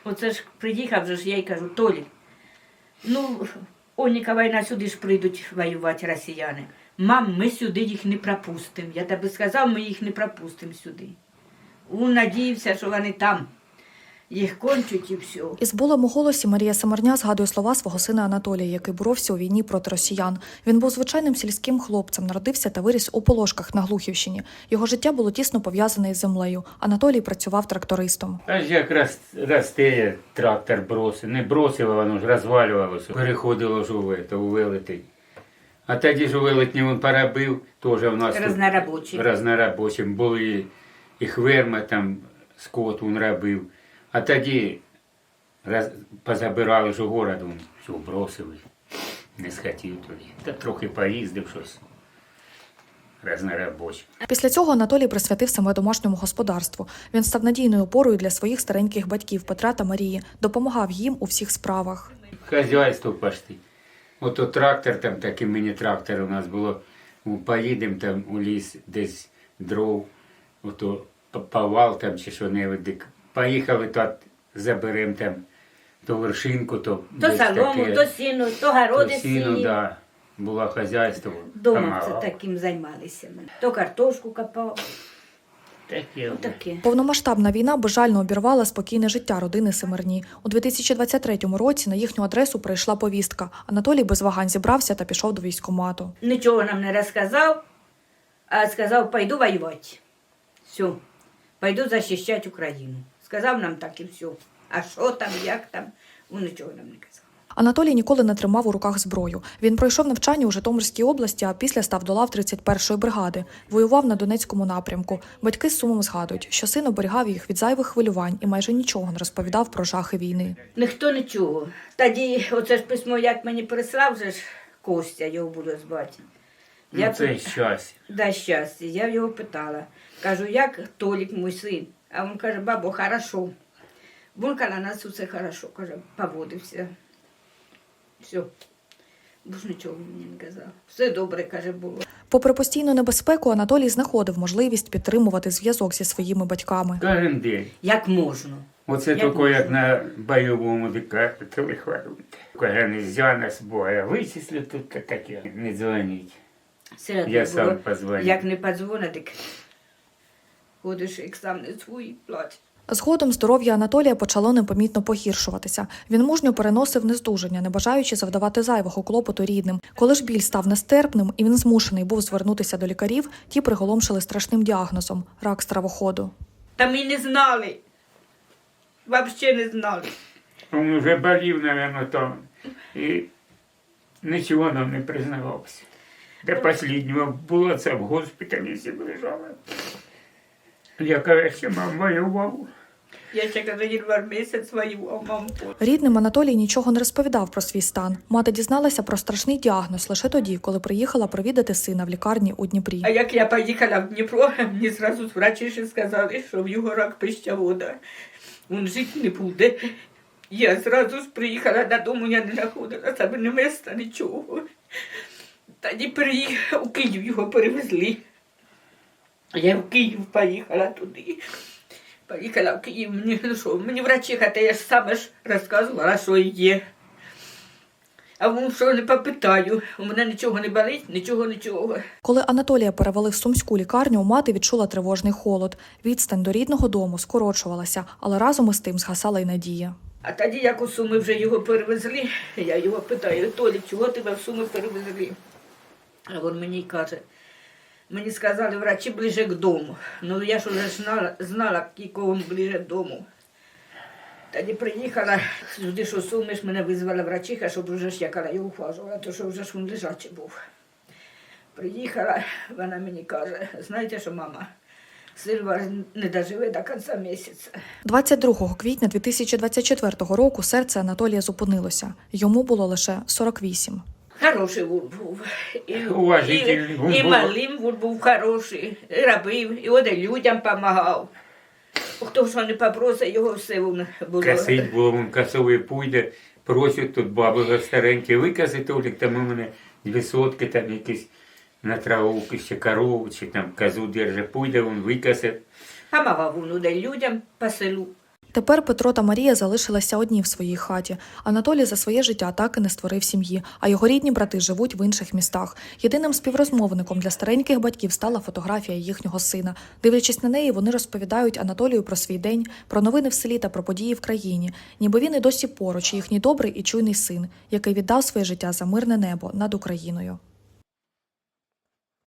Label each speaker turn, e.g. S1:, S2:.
S1: Оце ж приїхав же ж, я й кажу, Толік, ну, Оніка війна, сюди ж прийдуть воювати росіяни. Мам, ми сюди їх не пропустимо. Я тобі сказав, ми їх не пропустимо сюди. Він надіявся, що вони там. Їх кончуть і все.
S2: Із болем у голосі Марія Семерня згадує слова свого сина Анатолія, який боровся у війні проти росіян. Він був звичайним сільським хлопцем, народився та виріс у Полошках на Глухівщині. Його життя було тісно пов'язане із землею. Анатолій працював трактористом.
S3: Аж як росте, трактор бросив. Не бросило, воно ж розвалювалося. Переходило ж у велетень. А тоді ж у велетні він поробив, теж у нас разнорабочим. Були і хверма, там скот він робив. А тоді позабирали ж у город, він все бросили. Не схотів тоді. Та трохи поїздив щось. Разнорабочим.
S2: Після цього Анатолій присвятив себе домашньому господарству. Він став надійною опорою для своїх стареньких батьків Петра та Марії, допомагав їм у всіх справах.
S3: Хазяйство почти. Ото трактор, там такий міні-трактор у нас було. Поїдемо там у ліс, десь дров, ото повал там чи що-небудь. Поїхали, то заберемо там то вершинку, то
S1: солому, то сіну, то городи
S3: сіну, да. Було хазяйство.
S1: Дома це таким займалися. То картошку копав.
S3: Таке.
S2: Повномасштабна війна безжально обірвала спокійне життя родини Семерні. У 2023 році на їхню адресу прийшла повістка. Анатолій без вагань зібрався та пішов до військкомату.
S1: Нічого нам не розказав, а сказав, пойду воювати. Все, пойду захищати Україну. Сказав нам так і все. А що там, як там, він нічого нам не казав.
S2: Анатолій ніколи не тримав у руках зброю. Він пройшов навчання у Житомирській області, а після став до лав 31-ї бригади. Воював на Донецькому напрямку. Батьки з сумом згадують, що син оберігав їх від зайвих хвилювань і майже нічого не розповідав про жахи війни.
S1: Ніхто нічого. Тоді оце ж письмо, як мені прислав, же ж Костя, його буду звати.
S3: Це щастя.
S1: Да, щастя. Я його питала. Кажу, як Толік, мій син? А він каже, бабо, хорошо. Він каже, на нас усе хорошо, каже, поводився. Все. Бо ж нічого мені не казав. Все добре, каже, було.
S2: Попри постійну небезпеку, Анатолій знаходив можливість підтримувати зв'язок зі своїми батьками.
S3: Кожен день.
S1: Як можна.
S3: Оце тільки як на бойовому телефонуйте. Каже, нельзя нас Бога вичислю, тут таке. Не дзвоніть. Я сам позвоню.
S1: Як не подзвонить, так ходиш, як сам не свій, плачеш.
S2: Згодом здоров'я Анатолія почало непомітно погіршуватися. Він мужньо переносив нездужання, не бажаючи завдавати зайвого клопоту рідним. Коли ж біль став нестерпним і він змушений був звернутися до лікарів, ті приголомшили страшним діагнозом – рак стравоходу.
S1: Та ми не знали. Взагалі не знали.
S3: Він вже болів, мабуть, там. І нічого нам не признавався. До останнього було це в госпіталі всі лежали. Я кажу, що мам воював.
S1: Я ще, кажу, январ місяць воював, мам.
S2: Рідним Анатолій нічого не розповідав про свій стан. Мати дізналася про страшний діагноз лише тоді, коли приїхала провідати сина в лікарні у Дніпрі.
S1: А як я поїхала в Дніпро, мені зразу врачі ще сказали, що в його рак пищевода. Він жити не буде. Я зразу ж приїхала додому, я не знаходила себе ні міста, нічого. Тоді приїхала, у Київ його перевезли. Я в Київ поїхала туди. Поїхала в Київ, мені врачиха, та я ж саме ж розказувала, що є. А він що не попитаю, у мене нічого не болить, нічого.
S2: Коли Анатолія перевели в Сумську лікарню, мати відчула тривожний холод. Відстань до рідного дому скорочувалася, але разом із тим згасала й надія.
S1: А тоді, як у Суми вже його перевезли, я його питаю, Толік, чого тебе в Суми перевезли? А він мені каже, мені сказали врачі ближе к дому. Ну я ж вже знала, якого ближе к дому. Тоді приїхала сюди, що Суми ж мене визвала врачиха, щоб вже ж яка його ухажувала, то що вже ж він лежачий був. Приїхала, вона мені каже, знаєте що, мама, Сильва не доживе до кінця місяця.
S2: 22 квітня 2024 року серце Анатолія зупинилося. Йому було лише 48.
S1: Хороший він був.
S3: Уважительний.
S1: І малим він був хороший, і робив, і от людям допомагав. Хто що не попросить, його все було.
S3: Косить було, він косовий пуйде, просять тут баби старенькі, викаси, Толік, там у мене 2 сотки, там якісь на траву, ще корову, чи там козу держить, пуйде, він викасить.
S1: Помагав він людям по селу.
S2: Тепер Петро та Марія залишилися одні в своїй хаті. Анатолій за своє життя так і не створив сім'ї, а його рідні брати живуть в інших містах. Єдиним співрозмовником для стареньких батьків стала фотографія їхнього сина. Дивлячись на неї, вони розповідають Анатолію про свій день, про новини в селі та про події в країні. Ніби він і досі поруч, їхній добрий і чуйний син, який віддав своє життя за мирне небо над Україною.